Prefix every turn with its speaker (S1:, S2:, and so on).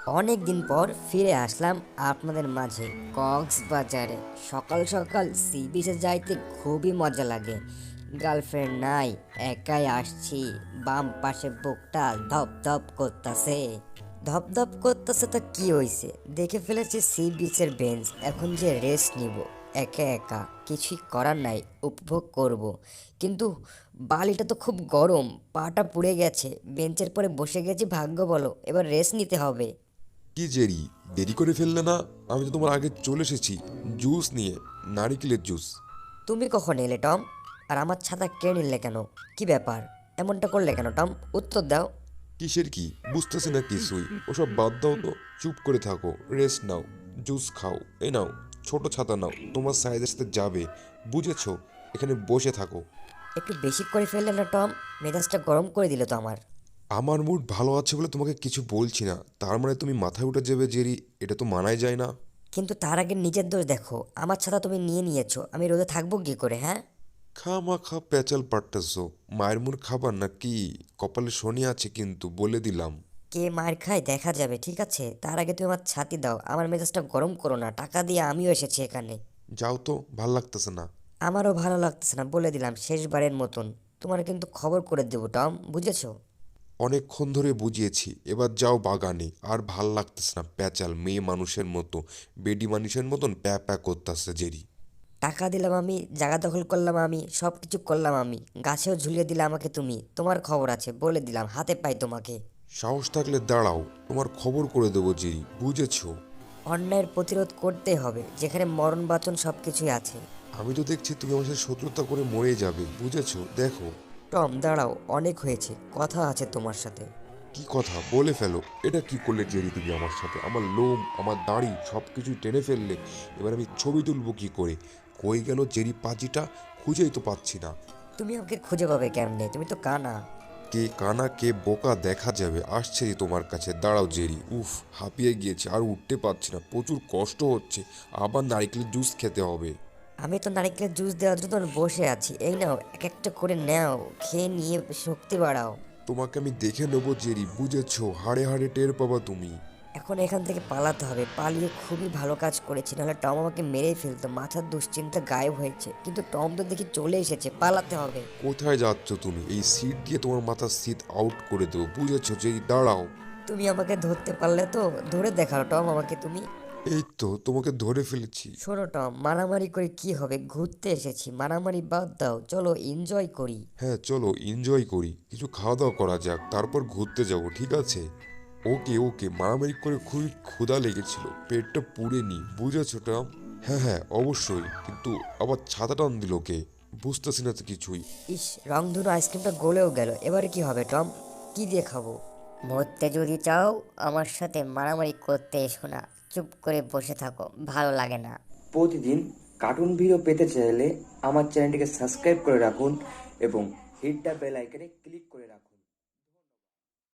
S1: অনেক দিন পর ফিরে আসলাম আপনাদের মাঝে কক্সবাজারে। সকাল সকাল সি বিচে যাইতে খুবই মজা লাগে। গার্লফ্রেন্ড নাই, একাই আসছি। বাম পাশে বুকটা ধপ ধপ করতেছে। ধপ ধপ করতেছে তো কি হইছে, দেখে ফেলেছি সি বিচের বেঞ্চ। এখন যে রেস্ট নিব একা একা, কিছুই করার নাই, উপভোগ করব। কিন্তু বালিটা তো খুব গরম, পাটা পুড়ে গেছে। বেঞ্চের পরে বসে গেছি, ভাগ্য বলো, এবার রেস্ট নিতে হবে।
S2: কি জেরি, দেরি করে ফেললে না? আমি তো তোমার আগে চলে এসেছি জুস নিয়ে, নারিকেলের জুস।
S1: তুমি কখন এলে টম? আর আমার ছাতা কে নিলে কেন? কি ব্যাপার, এমনটা করলে কেন টম? উত্তর দাও।
S2: কিসের কি বুঝতেছি না কিছুই। ওসব বাদ দাও তো, চুপ করে থাকো, রেস্ট নাও, জুস খাও। এই নাও, ছোট ছাতা নাও, তোমার সাইজের সাথে যাবে, বুঝেছো? এখানে বসে থাকো।
S1: একটু বেশি করে ফেললে না টম? মেজাজটা গরম করে দিল তো আমার।
S2: আমার মুড ভালো আছে বলে তোমাকে কিছু বলছি না, তার মানে তুমি মাথায় উঠে যাবে জেরি? এটা তো মানাই যায় না।
S1: কিন্তু তার আগে নিজের দোষ দেখো, আমার ছাতা তুমি নিয়ে নিয়েছো, আমি রোদে থাকবো কি করে, হ্যাঁ?
S2: খামাখা পেঁচাল পাট্টাছো। মায়ের মুড় খাবার নাকি? কপালে শনি আছে কিন্তু, বলে দিলাম।
S1: কে মার খায় দেখা যাবে, ঠিক আছে? তার আগে তুমি আমার ছাতি দাও, আমার মেজাজটা গরম করো না, টাকা দিয়ে আমিও এসেছি এখানে।
S2: যাও তো, ভাল লাগতেছে না।
S1: আমারও ভালো লাগতেছে না, বলে দিলাম শেষবারের মতন। তোমার কিন্তু খবর করে দেবো টম, বুঝেছো?
S2: অনেকক্ষণ ধরে বুঝিয়েছি, এবার যাও বাগানে। আর ভাল লাগতেছে না, প্যাচাল মেয়ে মানুষের মতো, বেডি মানুষের মতন প্যা প্যা করতেছে জেরি।
S1: টাকা দিলাম আমি, জায়গা দখল করলাম আমি, সব কিছু করলাম আমি, গাছেও ঝুলিয়ে দিলে আমাকে তুমি। তোমার খবর আছে, বলে দিলাম, হাতে পাই তোমাকে।
S2: সাহস থাকলে দাঁড়াও, তোমার খবর করে দেবো জেরি, বুঝেছো?
S1: অন্যায়ের প্রতিরোধ করতেই হবে, যেখানে মরণ বাঁচন সব কিছুই আছে।
S2: আমি তো দেখছি তুমি আমার সাথে শত্রুতা করে মরে যাবে, বুঝেছো? দেখো।
S1: টম দাঁড়াও, অনেক হয়েছে, কথা আছে তোমার সাথে।
S2: কি কথা, বলে ফেলো। এটা কি করলে জেরি তুমি আমার সাথে? আমার লোম, আমার দাড়ি সব কিছুই টেনে ফেললে। এবার আমি ছবি তুলবো কি করে? কই গেল জেরি পাজিটা? খুঁজেই তো পাচ্ছি না।
S1: তুমি আমাকে খুঁজে পাবে কেমনে? তুমি তো কানা।
S2: কে কানা কে বোকা দেখা যাবে, আসছে তোমার কাছে, দাঁড়াও জেরি। উফ, হাঁপিয়ে গিয়েছে, আর উঠতে পারছি না, প্রচুর কষ্ট হচ্ছে। আবার নারকেলের জুস খেতে হবে।
S1: আমি তো নারকেলের জুস দেওয়ার জন্য বসে আছি, এই নাও এক একটা করে নাও, খেয়ে নিয়ে শক্তি বাড়াও।
S2: তোমাকে আমি দেখে নেবো জেরি, বুঝেছো? হাড়ে হাড়ে টের পাবা তুমি।
S1: এখন এখান থেকে পালাতে হবে, পালিয়ে খুবই ভালো কাজ করেছি, নাহলে টম আমাকে মেরেই ফেলতো। মাথার দুশ্চিন্তা গায়েব হয়েছে, কিন্তু টম তো দেখি চলে এসেছে, পালাতে হবে।
S2: কোথায় যাচ্ছ তুমি? এই সিট দিয়ে তোমার মাথার সিট আউট করে দেবো, বুঝেছো জেরি? দাঁড়াও।
S1: তুমি আমাকে ধরতে পারলে তো, ধরে দেখাও টম আমাকে তুমি।
S2: এই তো তোমাকে ধরে ফেলেছি।
S1: শোনো টম, মারামারি করে কি হবে? ঘুরতে এসেছি, মারামারি বাদ দাও, চলো এনজয় করি।
S2: হ্যাঁ চলো এনজয় করি, কিছু খাওয়া দাওয়া করা যাক, তারপর ঘুরতে যাব, ঠিক আছে? ওকে ওকে, মারামারি করে খুবই ক্ষুধা লেগেছিল, পেটটা পুড়ে নি, বুঝেছো টম? হ্যাঁ হ্যাঁ অবশ্যই, কিন্তু আবার ছাতা টান দিল কে? বুঝতেছি না তো কিছুই।
S1: ইস, রংধনু আইসক্রিমটা গলেও গেল, এবারে কি হবে টম? কি দিয়ে খাবো? মরতে যদি চাও আমার সাথে মারামারি করতে এসো না, চুপ করে বসে থাকো, ভালো লাগে না।
S3: প্রতিদিন কার্টুন ভিডিও পেতে চাইলে আমার চ্যানেলটিকে সাবস্ক্রাইব করে রাখুন এবং হিট দ্য বেল আইকনে ক্লিক করে রাখুন।